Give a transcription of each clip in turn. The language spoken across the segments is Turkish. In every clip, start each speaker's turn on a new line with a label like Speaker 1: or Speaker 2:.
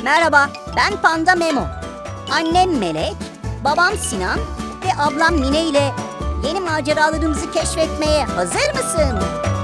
Speaker 1: Merhaba, ben Panda Memo. Annem Melek, babam Sinan ve ablam Mine ile yeni maceralarımızı keşfetmeye hazır mısın?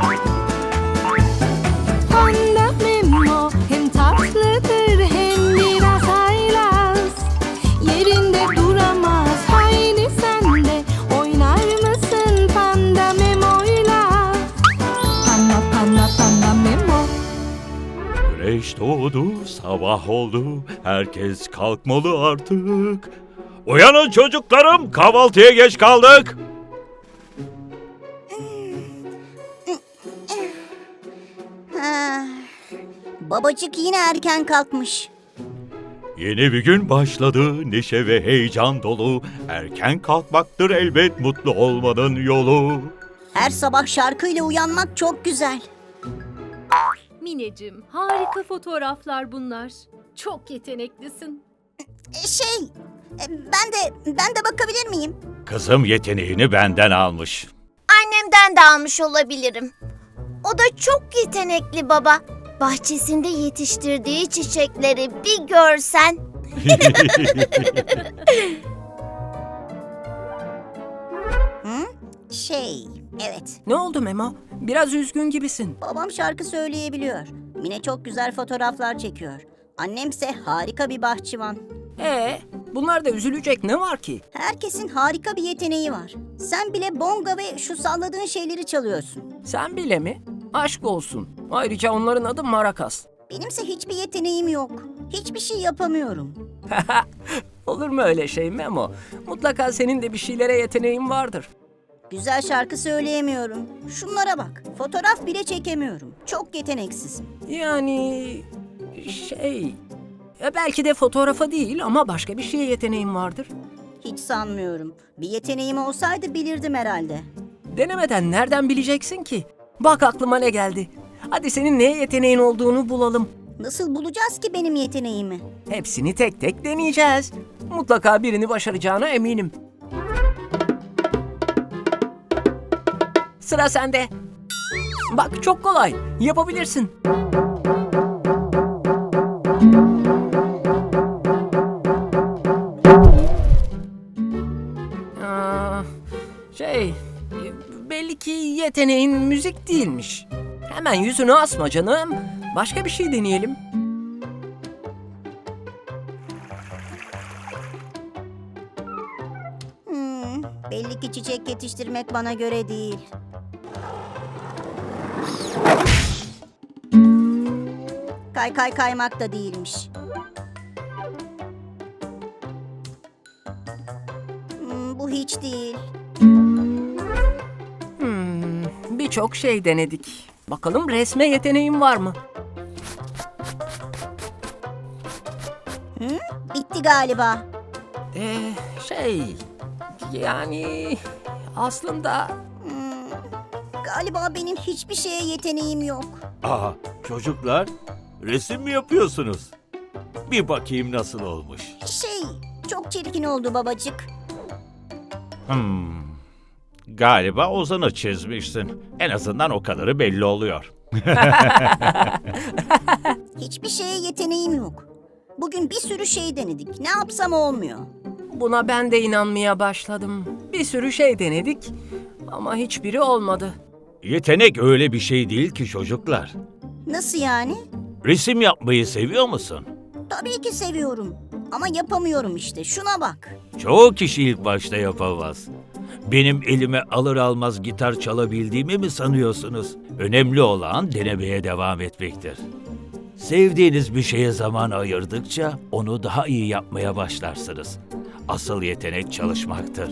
Speaker 2: Panda Memo hem tatlıdır hem biraz haylaz. Yerinde duramaz, haydi sen de oynar mısın Panda Memo'yla? Panda panda panda Memo.
Speaker 3: Güneş doğdu, sabah oldu, herkes kalkmalı artık. Uyanın çocuklarım, kahvaltıya geç kaldık.
Speaker 1: Ha, babacık yine erken kalkmış.
Speaker 3: Yeni bir gün başladı, neşe ve heyecan dolu. Erken kalkmaktır elbet mutlu olmanın yolu.
Speaker 1: Her sabah şarkıyla uyanmak çok güzel.
Speaker 4: Mineciğim, harika fotoğraflar bunlar. Çok yeteneklisin.
Speaker 1: Ben de bakabilir miyim?
Speaker 3: Kızım yeteneğini benden almış.
Speaker 5: Annemden de almış olabilirim. O da çok yetenekli baba. Bahçesinde yetiştirdiği çiçekleri bir görsen.
Speaker 1: Evet.
Speaker 6: Ne oldu Memo? Biraz üzgün gibisin.
Speaker 1: Babam şarkı söyleyebiliyor. Mine çok güzel fotoğraflar çekiyor. Annemse harika bir bahçıvan.
Speaker 6: Bunlarda üzülecek ne var ki?
Speaker 1: Herkesin harika bir yeteneği var. Sen bile bonga ve şu salladığın şeyleri çalıyorsun.
Speaker 6: Sen bile mi? Aşk olsun. Ayrıca onların adı Marakas.
Speaker 1: Benimse hiçbir yeteneğim yok. Hiçbir şey yapamıyorum.
Speaker 6: Olur mu öyle şey Memo? Mutlaka senin de bir şeylere yeteneğin vardır.
Speaker 1: Güzel şarkı söyleyemiyorum. Şunlara bak. Fotoğraf bile çekemiyorum. Çok yeteneksizim.
Speaker 6: Yani... belki de fotoğrafa değil ama başka bir şeye yeteneğin vardır.
Speaker 1: Hiç sanmıyorum. Bir yeteneğim olsaydı bilirdim herhalde.
Speaker 6: Denemeden nereden bileceksin ki? Bak aklıma ne geldi. Hadi senin neye yeteneğin olduğunu bulalım.
Speaker 1: Nasıl bulacağız ki benim yeteneğimi?
Speaker 6: Hepsini tek tek deneyeceğiz. Mutlaka birini başaracağına eminim. Sıra sende. Bak çok kolay. Yapabilirsin. Belli ki yeteneğin müzik değilmiş. Hemen yüzünü asma canım. Başka bir şey deneyelim.
Speaker 1: Belli ki çiçek yetiştirmek bana göre değil. Kaymak da değilmiş. Bu hiç değil.
Speaker 6: Birçok şey denedik. Bakalım resme yeteneğin var mı?
Speaker 1: Bitti galiba.
Speaker 6: Yani aslında...
Speaker 1: Galiba benim hiçbir şeye yeteneğim yok.
Speaker 3: Aa, çocuklar, resim mi yapıyorsunuz? Bir bakayım nasıl olmuş.
Speaker 1: Çok çirkin oldu babacık.
Speaker 3: Galiba Ozan'ı çizmişsin. En azından o kadarı belli oluyor.
Speaker 1: Hiçbir şeye yeteneğim yok. Bugün bir sürü şey denedik. Ne yapsam olmuyor.
Speaker 6: Buna ben de inanmaya başladım. Bir sürü şey denedik ama hiçbiri olmadı.
Speaker 3: Yetenek öyle bir şey değil ki çocuklar.
Speaker 1: Nasıl yani?
Speaker 3: Resim yapmayı seviyor musun?
Speaker 1: Tabii ki seviyorum. Ama yapamıyorum işte. Şuna bak.
Speaker 3: Çoğu kişi ilk başta yapamaz. Benim elime alır almaz gitar çalabildiğimi mi sanıyorsunuz? Önemli olan denemeye devam etmektir. Sevdiğiniz bir şeye zaman ayırdıkça onu daha iyi yapmaya başlarsınız. Asıl yetenek çalışmaktır.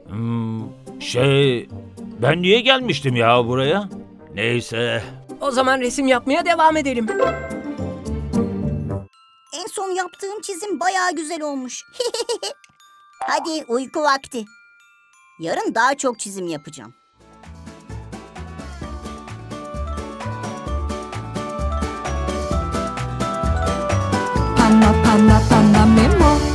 Speaker 3: Ben niye gelmiştim ya buraya? Neyse.
Speaker 6: O zaman resim yapmaya devam edelim.
Speaker 1: En son yaptığım çizim bayağı güzel olmuş. Hadi uyku vakti. Yarın daha çok çizim yapacağım.
Speaker 2: Panda panda panda Memo.